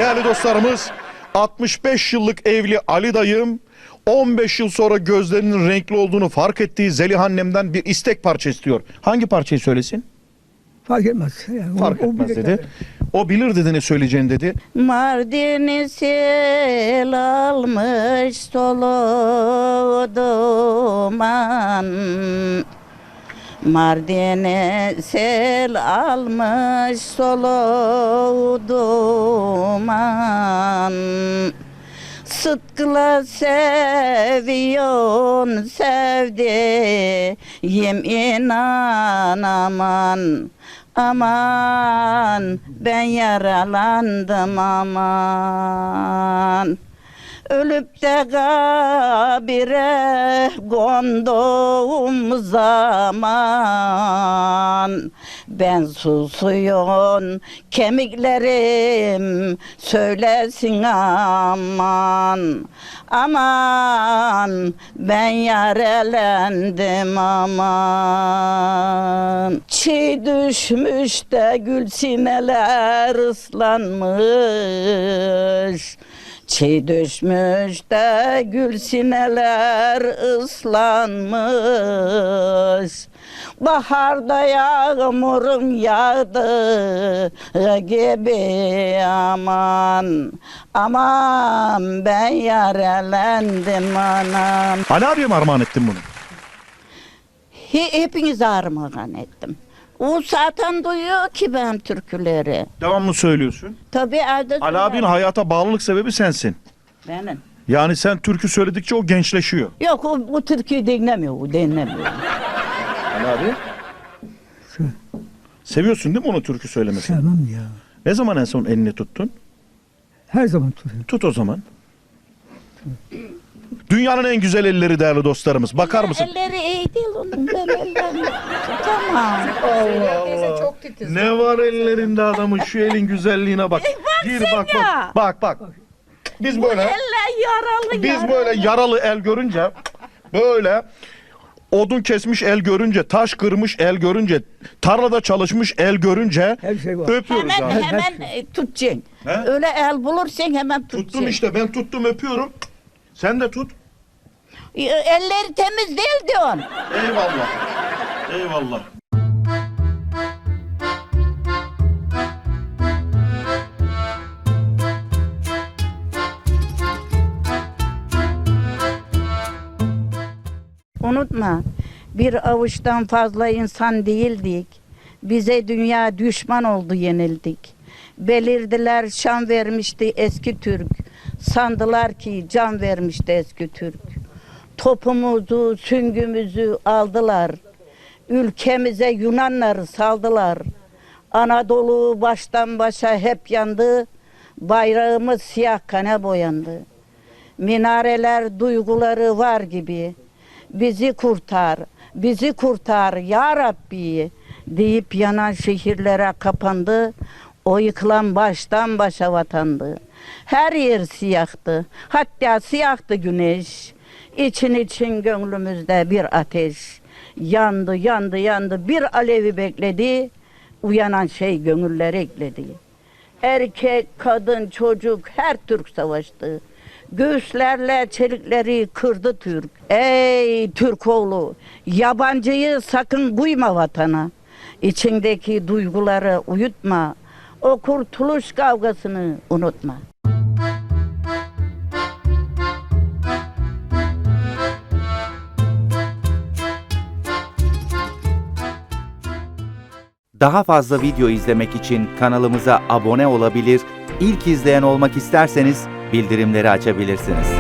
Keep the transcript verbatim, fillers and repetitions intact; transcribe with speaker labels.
Speaker 1: değerli dostlarımız. altmış beş yıllık evli Ali dayım on beş yıl sonra gözlerinin renkli olduğunu fark ettiği Zeliha annemden bir istek parça istiyor. Hangi parçayı söylesin?
Speaker 2: Fark etmez. Yani
Speaker 1: Fark
Speaker 2: o,
Speaker 1: etmez
Speaker 2: o
Speaker 1: dedi. O bilir dedi ne söyleyeceğini dedi.
Speaker 3: Mardin'i sel almış solu duman. Mardin'i sel almış solu duman. Sıtkıla seviyorsun sevdiğim inan aman. Aman ben yaralandım aman. Ölüp de kabire konduğum zaman ben susuyon kemiklerim söylesin aman. Aman ben yarelendim aman. Çiğ düşmüş de gül sineler ıslanmış. Çiğ düşmüş de gül sineler ıslanmış. Baharda yağmurun yağdı gibi aman. Aman ben yarelendim anam.
Speaker 1: Ali abiye mi armağan ettin bunu?
Speaker 3: He, hepinize armağan ettim. O zaten duyuyor ki ben türküleri.
Speaker 1: Devamlı söylüyorsun.
Speaker 3: Tabii evde
Speaker 1: Ali abinin hayata bağlılık sebebi sensin.
Speaker 3: benim.
Speaker 1: Yani sen türkü söyledikçe o gençleşiyor.
Speaker 3: Yok o, o türküyü dinlemiyor, o dinlemiyor.
Speaker 1: Ali abi. Seviyorsun değil mi onu türkü söylemesini?
Speaker 2: Sevmem ya.
Speaker 1: Ne zaman en son elini tuttun?
Speaker 2: Her zaman tutuyorum.
Speaker 1: Tut o zaman. Dünyanın en güzel elleri değerli dostlarımız. Bakar mısın?
Speaker 3: Elleri iyi değil onun, ben ellerini tutamam.
Speaker 1: Allah Allah. Ne var ellerinde adamın, şu elin güzelliğine bak. Gir bak
Speaker 3: ya.
Speaker 1: bak. Bak bak. Biz böyle
Speaker 3: Eller yaralı
Speaker 1: biz
Speaker 3: yaralı.
Speaker 1: böyle yaralı el görünce, böyle odun kesmiş el görünce, taş kırmış el görünce, tarlada çalışmış el görünce
Speaker 2: Her şey var.
Speaker 1: öpüyoruz
Speaker 3: Hemen
Speaker 1: abi.
Speaker 3: hemen e, tutacaksın.
Speaker 1: He?
Speaker 3: Öyle el bulursan hemen tutacaksın.
Speaker 1: Tuttum işte, ben tuttum, öpüyorum. Sen de tut.
Speaker 3: E, Elleri temiz değil diyorsun.
Speaker 1: Eyvallah. Eyvallah.
Speaker 3: Unutma, bir avuçtan fazla insan değildik. Bize dünya düşman oldu, yenildik. Belirdiler şan vermişti eski Türk. Sandılar ki can vermişti eski Türk. Topumuzu, süngümüzü aldılar. Ülkemize Yunanları saldılar. Anadolu baştan başa hep yandı. Bayrağımız siyah kana boyandı. Minareler duyguları var gibi. Bizi kurtar, bizi kurtar ya Rabbi deyip yanan şehirlere kapandı. O yıkılan baştan başa vatandı. Her yer siyahtı, hatta siyahtı güneş. İçin için gönlümüzde bir ateş. Yandı, yandı, yandı, bir alevi bekledi. Uyanan şey gönülleri ekledi. Erkek, kadın, çocuk her Türk savaştı. Göğüslerle çelikleri kırdı Türk. Ey Türk oğlu, yabancıyı sakın buyma vatana. İçindeki duyguları uyutma. O kurtuluş kavgasını unutma.
Speaker 4: Daha fazla video izlemek için kanalımıza abone olabilir, ilk izleyen olmak isterseniz bildirimleri açabilirsiniz.